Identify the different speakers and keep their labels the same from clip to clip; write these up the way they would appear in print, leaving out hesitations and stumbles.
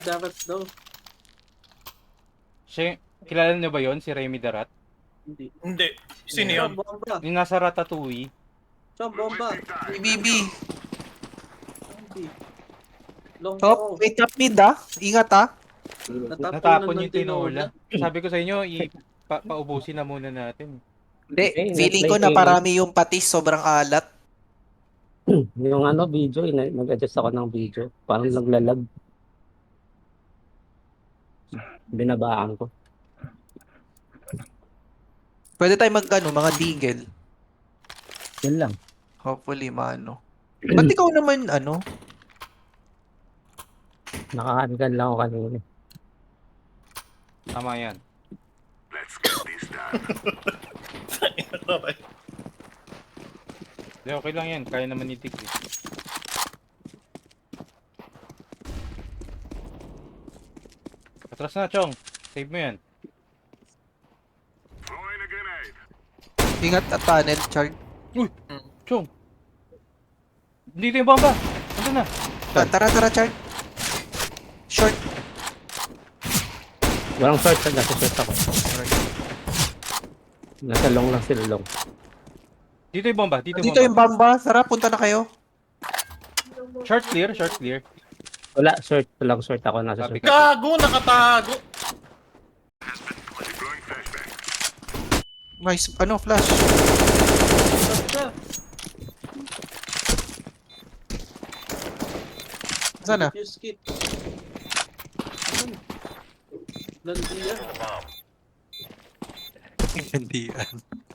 Speaker 1: Dapat daw.
Speaker 2: Siya, kilala niyo ba yon si Remy Darat?
Speaker 1: Hindi.
Speaker 3: Hindi. Sino
Speaker 2: Yeah.
Speaker 3: yun?
Speaker 1: Bomba.
Speaker 2: Yung nasa Ratatouille.
Speaker 1: Chong, bomba.
Speaker 4: BBB.
Speaker 1: Hindi. Long
Speaker 4: Top,
Speaker 1: ball.
Speaker 4: wait up mid ah. Ingat ah.
Speaker 2: Natapon yung tinola. Sabi ko sa inyo, paubusin na muna natin.
Speaker 4: Hindi,
Speaker 5: Okay,
Speaker 4: feeling ko
Speaker 5: na-play
Speaker 4: na parami yung patis, sobrang alat.
Speaker 5: Yung video, nag-adjust ako ng video. Parang naglalag. Binabaan ko.
Speaker 4: Pwede tayo mga digel.
Speaker 5: Yun lang.
Speaker 4: Hopefully, mano. Ba't ikaw naman,
Speaker 5: Nakahangan lang ako kanina.
Speaker 2: Tama yan. Hindi, okay lang yan. Kaya naman ni Tig. Atras na, Chong. Save mo yan.
Speaker 4: ingat at tunnel, Chard.
Speaker 2: Chong! Dito yung bomba! Ano na?
Speaker 4: Tara, Chard. Short.
Speaker 5: Walang short, nasa short ako. Nasa long lang sila, long.
Speaker 2: Dito yung bomba. Dito
Speaker 4: Dito yung
Speaker 2: yung bomba.
Speaker 4: bamba. Tara, punta na kayo.
Speaker 2: Short clear, short clear.
Speaker 5: Wala, short. Walang short ako, nasa
Speaker 2: Sabi
Speaker 5: short.
Speaker 2: ka.
Speaker 3: Gago, nakatago.
Speaker 4: Nice, flash. Sana?
Speaker 1: Fuse kit. Landiya.
Speaker 4: Hindi yan.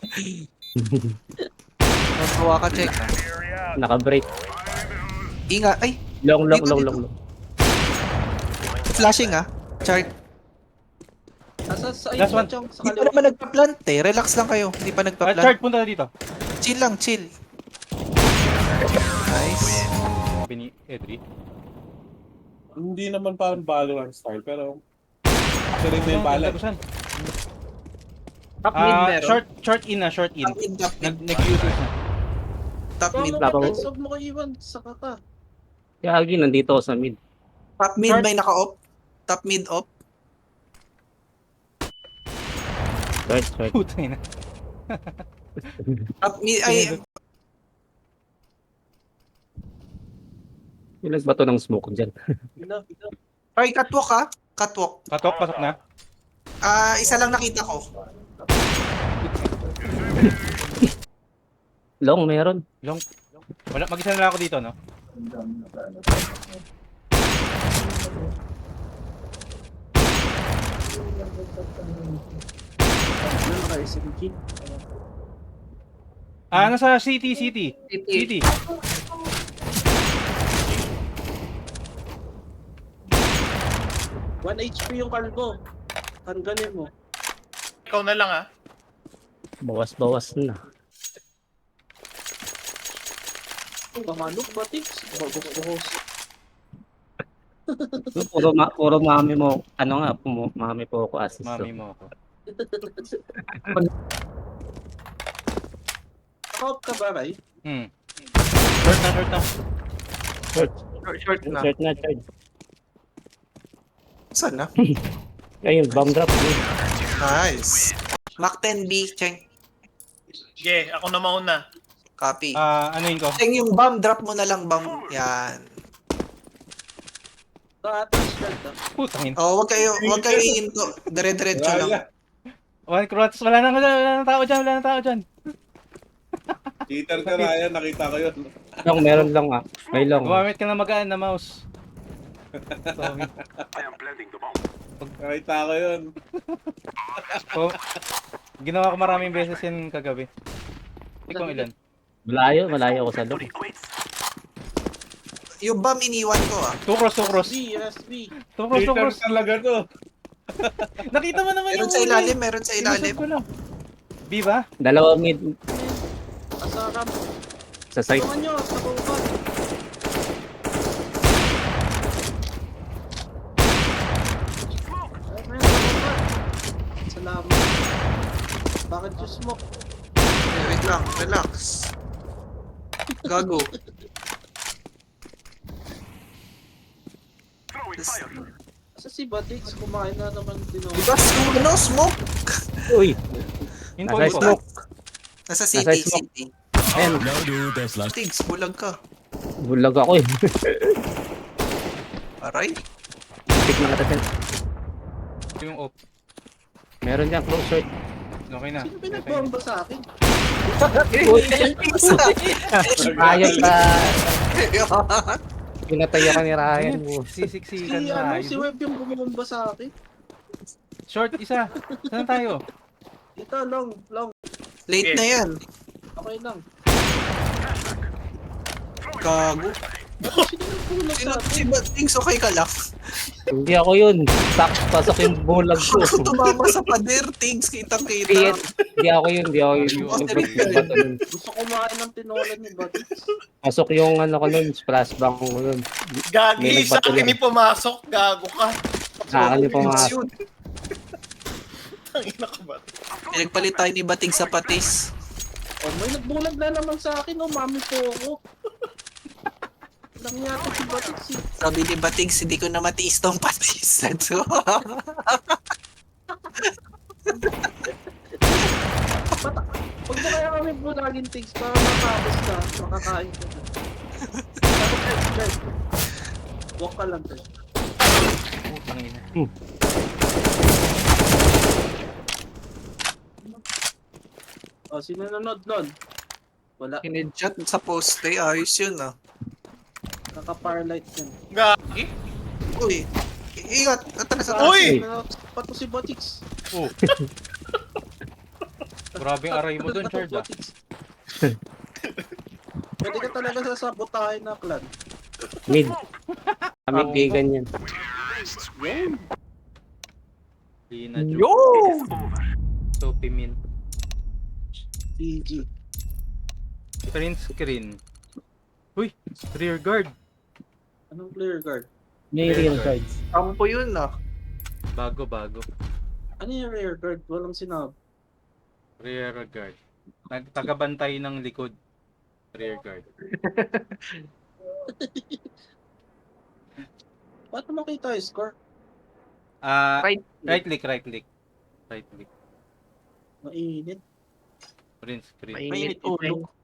Speaker 4: Magawa ka, check.
Speaker 5: Naka-break.
Speaker 4: Ingat. Ay,
Speaker 5: Long.
Speaker 4: Dito. flashing ah. Chard.
Speaker 1: Asa sa
Speaker 2: Last
Speaker 1: iyo,
Speaker 2: one.
Speaker 1: Chong, sa
Speaker 4: Hindi pa
Speaker 1: kaliwa.
Speaker 4: naman nagpa-plant eh. Relax lang kayo. Hindi pa nagpa-plant.
Speaker 2: Chart, punta na dito.
Speaker 4: Chill lang, chill. Nice.
Speaker 2: Sabi ni Edri.
Speaker 6: Hindi naman parang Valorant style, pero kasi rin na yung bala.
Speaker 2: Lagusan.
Speaker 4: Top mid meron.
Speaker 2: Short in na, short in.
Speaker 4: Top mid.
Speaker 2: Nag-uses na.
Speaker 4: Top mid.
Speaker 1: Paano
Speaker 5: Tapos-
Speaker 1: ka? Huwag mo kayo iwan. Saka ka.
Speaker 5: Kaya Agi, nandito ako sa mid.
Speaker 4: Top mid
Speaker 2: Short.
Speaker 4: may naka-op. Top mid op.
Speaker 5: Short.
Speaker 2: Putay na.
Speaker 4: Top mid ay
Speaker 5: Yung nagbato ng smoke dyan.
Speaker 1: Ina.
Speaker 4: ay catwalk ah. Catwalk.
Speaker 2: Katok, pasok na.
Speaker 4: Isa lang nakita ko.
Speaker 5: Long, meron.
Speaker 2: Long. Wala, mag-isa na lang ako dito, no?
Speaker 1: Ano kayo, SMG?
Speaker 2: Nasa city.
Speaker 1: 1 HP yung kalbo. Tanggalin mo.
Speaker 3: Ikaw na lang, ah.
Speaker 5: Bawas na.
Speaker 1: Pamanok ba, Tix? Bagos-bagos.
Speaker 5: Puro mami mo. Ano nga, mami po ako assist.
Speaker 2: Mami mo ako.
Speaker 1: Nakop ka ba, Ray?
Speaker 2: Short na.
Speaker 5: Short
Speaker 4: na.
Speaker 5: Short na, charge.
Speaker 4: Saan na?
Speaker 5: Ayun, bomb drop.
Speaker 4: Nice. Mac 10B, Cheng.
Speaker 3: Sige, ako na mauna.
Speaker 4: Copy.
Speaker 2: Ano yun ko?
Speaker 4: Cheng, yung bomb drop mo na lang bomb. Yan.
Speaker 1: Sa atas, Chard, ah.
Speaker 2: Putangin.
Speaker 4: Wag kayo iinto. Dire-diretso lang.
Speaker 2: One cross. Wala nang tao dyan.
Speaker 6: Cheater ka, Ryan. Nakita ko yun.
Speaker 5: Long, meron lang ah. May long.
Speaker 2: Gumamit ka na magaan na mouse. Sorry.
Speaker 6: Nakita ko yun.
Speaker 2: Oh, ginawa ko maraming beses yan kagabi. Ikaw ilan?
Speaker 5: Malayo ako sa long.
Speaker 4: Yung bomb iniwan ko ah.
Speaker 2: Two cross.
Speaker 1: USB.
Speaker 2: Two
Speaker 6: Cheater
Speaker 2: cross.
Speaker 6: talaga to.
Speaker 2: Nakita mo naman
Speaker 4: Meron sa ilalim, meron sa ilalim.
Speaker 2: Sinusod ko lang. B ba?
Speaker 5: Dalawa mid
Speaker 1: Asa ka.
Speaker 5: sa side.
Speaker 1: Tulungan nyo, sa bungkot. Ayun, sa bungkot. Salamat. Bakit yung smoke?
Speaker 4: Wait lang, relax. Gago.
Speaker 1: Sa si Batix, kumain na naman din ako.
Speaker 4: Diba, smoke?
Speaker 5: Uy,
Speaker 2: Info,
Speaker 5: nasa
Speaker 2: info.
Speaker 5: smoke.
Speaker 4: Nasa
Speaker 5: Nasa
Speaker 4: city,
Speaker 5: smoke.
Speaker 4: city.
Speaker 5: Ayan,
Speaker 4: Tigs, bulag ka.
Speaker 5: bulag ako eh.
Speaker 4: Aray.
Speaker 5: Pick na kita.
Speaker 2: Yung off.
Speaker 5: Meron dyan, close short.
Speaker 2: Okay na.
Speaker 1: Sino pinagbomba sa akin?
Speaker 5: Ayos pa. Pinatay ako ni Ryan.
Speaker 2: Sisiksikan
Speaker 1: Si,
Speaker 2: na.
Speaker 1: si Web yung bumomba sa akin.
Speaker 2: Short, isa. Saan tayo?
Speaker 1: Ito, long.
Speaker 4: Late na yan.
Speaker 1: Okay lang.
Speaker 4: Gago.
Speaker 1: Sino nagpulag
Speaker 4: Sino,
Speaker 1: sa akin?
Speaker 4: si Batings, okay ka lang?
Speaker 5: Hindi ako yun. Pasok yung bulag ko.
Speaker 4: Ako tumama sa pader, Tigs,
Speaker 5: Hindi
Speaker 4: kitang-kita.
Speaker 5: hindi ako yun. Hindi ako yun. Bato nun.
Speaker 1: Gusto kumain ng tinola ni Batix.
Speaker 5: Pasok yung ano ko nun, splash bang ko nun.
Speaker 3: Gagi,
Speaker 5: May
Speaker 3: sa
Speaker 5: nagbato
Speaker 3: akin
Speaker 5: lang.
Speaker 3: ni pumasok. Gago ka.
Speaker 5: Sa akin yung
Speaker 4: Tigs
Speaker 5: pumasok.
Speaker 4: yun.
Speaker 3: Tangina ka ba?
Speaker 4: Pinagpalit tayo ni Bating sa patis.
Speaker 1: Oh, may nagbulag na naman sa akin. Oh, mami po ako. Lang yata si Batix.
Speaker 4: Sabi ni Batings, hindi ko na matiis tong patis. So,
Speaker 1: Huwag mo kaya kami bulagin things para matapos ka. Makakain ka na. Dapat walk ka lang. Tess.
Speaker 2: Putang ina.
Speaker 1: Oh, sino nanonood nun? Wala.
Speaker 4: Kinedshot sa poste, ayos yun ah.
Speaker 1: Naka-firelight yan.
Speaker 3: Gagi.
Speaker 4: Uy, ingat, atras,
Speaker 3: Uy!
Speaker 1: Pato si Batix.
Speaker 2: Oh. Grabe ang aray mo dun, Chard ah.
Speaker 1: Pwede ka talaga sasabotahin na clan.
Speaker 5: Mid. Mid di ganyan.
Speaker 2: Lina joke. Soapy min.
Speaker 1: GG.
Speaker 2: Print screen. Uy, rear guard.
Speaker 1: Anong player guard?
Speaker 5: May real cards.
Speaker 4: Kampo yun ah.
Speaker 2: Bago.
Speaker 1: Ano yung rear guard? Walang sinabi.
Speaker 2: Rear guard. Tagabantay ng likod. Rear guard.
Speaker 1: Paano makita yung score?
Speaker 2: Right click.
Speaker 1: Mainit.
Speaker 2: Print screen.
Speaker 4: Mainit ulo.